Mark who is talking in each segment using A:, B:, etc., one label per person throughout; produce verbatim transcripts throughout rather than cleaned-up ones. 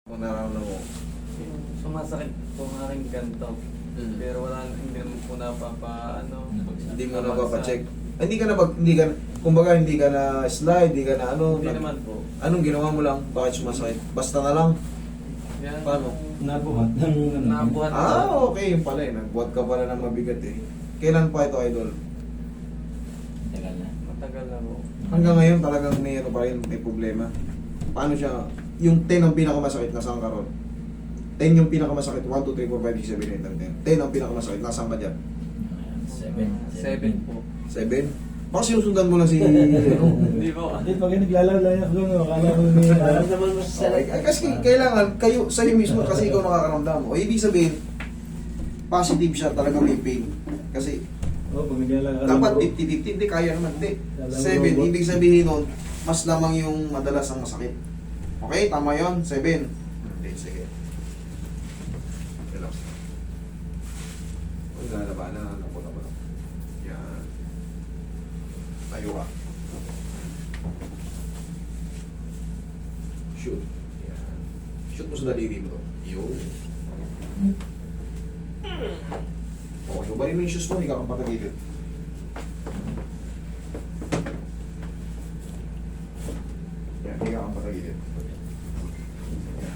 A: Kung nararamdaman mo.
B: Sumasakit po ang aking ganito.
A: Hmm.
B: Pero wala, hindi naman po napapa, ano.
A: Hindi mo na papacheck. Ah, Hindi ka na pag, hindi ka, kumbaga hindi ka na slide, hindi ka na ano.
B: Hindi
A: nag-
B: naman po.
A: Anong ginawa mo lang? Bakit sumasakit? Basta na lang.
B: Yan,
A: Paano?
C: Nabuhat ng ano.
B: Nabuhat
A: Ah, okay. Yung pala eh. Nagbuhat ka pala ng mabigat eh. Kailan pa ito, idol?
C: Tagal na.
B: Matagal na po.
A: Hanggang ngayon talagang may ano pa rin, may problema. Paano siya? Yung ten ang pinakamasakit, nasaan ka ron? ten yung pinakamasakit, one, two, three, four, five, six, seven, eight, nine, ten. ten ang pinakamasakit, nasaan ka dyan?
C: Seven.
B: Seven po.
A: seven? Baka sinusundan mo lang si... ano?
B: Hindi po.
C: Hindi, pag naglalala ako doon, akala ko may naramdaman mo sa
A: Okay. Ay, kasi kailangan, kayo, sa'yo mismo, kasi ikaw nakakaramdam. O ibig sabihin, positive siya talaga may pain. Kasi
C: Oo, pag naglalala ka
A: dapat
C: lang,
A: fifty fifty, hindi kaya naman, hindi.
C: Alam mo,
A: seven,
C: robot.
A: ibig sabihin nun, mas lamang yung madalas ang masakit. Okay, tama yun, seven. Hindi, sige. Relax. Huwag lalabanan, ano po na ba? Yan. Tayo ka. Shoot. Yan. Shoot mo sa daliri mo to. Yun. Okay, ubalin mo yung shoes mo, hindi ka kang patagilid. Yan, hindi ka kang patagilid. Yan.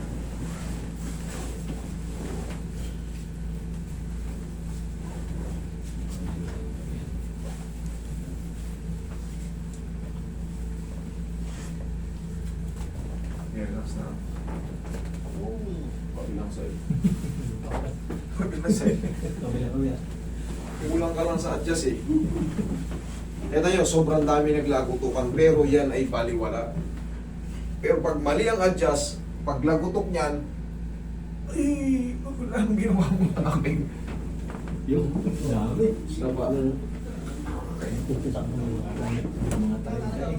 A: Yan, relax na. Oh, pabilang sa'yo. Pabilang sa'yo.
C: kabila ko yan.
A: Kulang ka lang sa adjust eh. Ito nyo, sobrang dami naglagutukan pero yan ay baliwala. Pero pag mali ang adjust, pag lagutok niyan, ay, wala nang ginawa mo sa akin.
C: Yung dami.
A: Saba. Okay.
C: Mga tayo.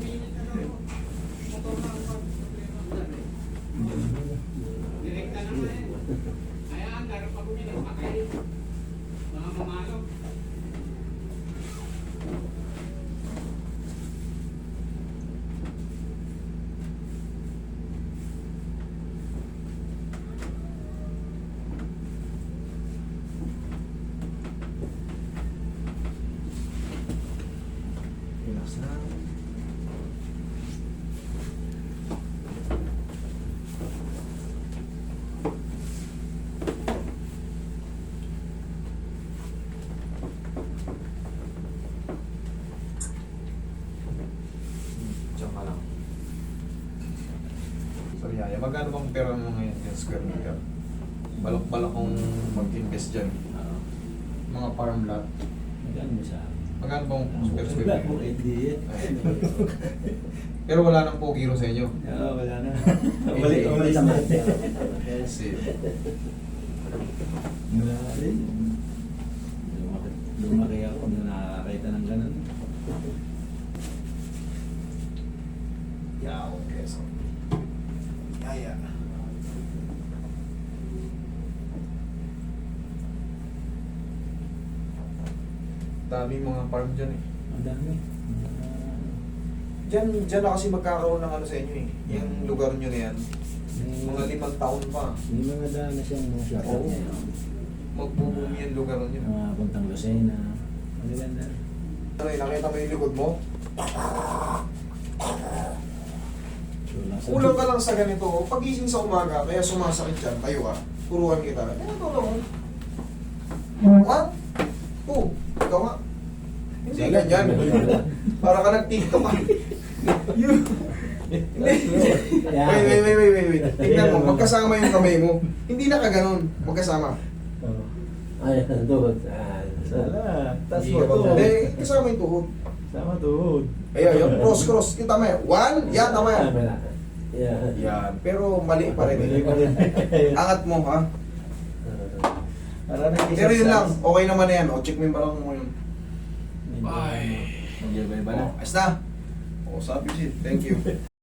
A: Relax na. Diyan ka lang. Sorry, Yaya. Magkano bang pera mo ngayon yung square meter? Balak-balak kong mag-invest dyan.
C: Oo.
A: Mga farm lot.
C: Magkano mo sa akin?
A: Magkano bang square square
C: Wala
A: meter?
C: po, hindi yan.
A: Pero wala nang pogiro sa inyo.
C: Oo, wala na. Balik ko ulit sa mate.
A: Kasi,
C: Wala rin. Lumaki, lumaki ako, hindi na nakakita ng ganun.
A: yaw, keso. Yaya. Daming mga farm dyan eh.
C: Ang dami.
A: Diyan, diyan na kasi magkakaroon ng ano sa inyo eh. Yung lugar nyo na yan.
C: May,
A: Mga limang taon pa.
C: may mga daan na siyang mga shop.
A: Oo. Magbubumi yung lugar nyo.
C: Mga puntang Lucena. Magaganda.
A: Ano eh, nakita mo yung likod mo?
C: Kulang sa-
A: Kulang ka lang sa ganito. oh. Pagising sa umaga, kaya sumasakit dyan, tayo ka. Turuan kita. Ganito lang. oh. One, two. Ikaw nga. Hindi ganyan. Para ka nag-tiktok ka. Yun. Wait, wait, wait, wait, wait, wait. Tingnan mo, magkasama yung kamay mo. Hindi na ka ganun. Magkasama.
C: Oo.
D: Ay, tuhod. Ah,
C: Sala. Tas
A: Hindi
C: mo
A: ka ba-
C: to.
A: Hindi, kasama yung tuhod.
C: Sama tuhod.
A: Ayun, yung cross, cross. Yung tama yan. One, yan, tama yan.
D: Tama na. Yeah.
A: Yan. Pero mali pa rin.
C: Mali pa rin.
A: Angat mo, ha?
C: Para nag-exercise.
A: Pero yun lang, okay naman na yan. O, check mo yung balakang mo yun.
C: Bye. Mag-iba-iba na.
A: O, ayos na. O, sabi siya. Thank you.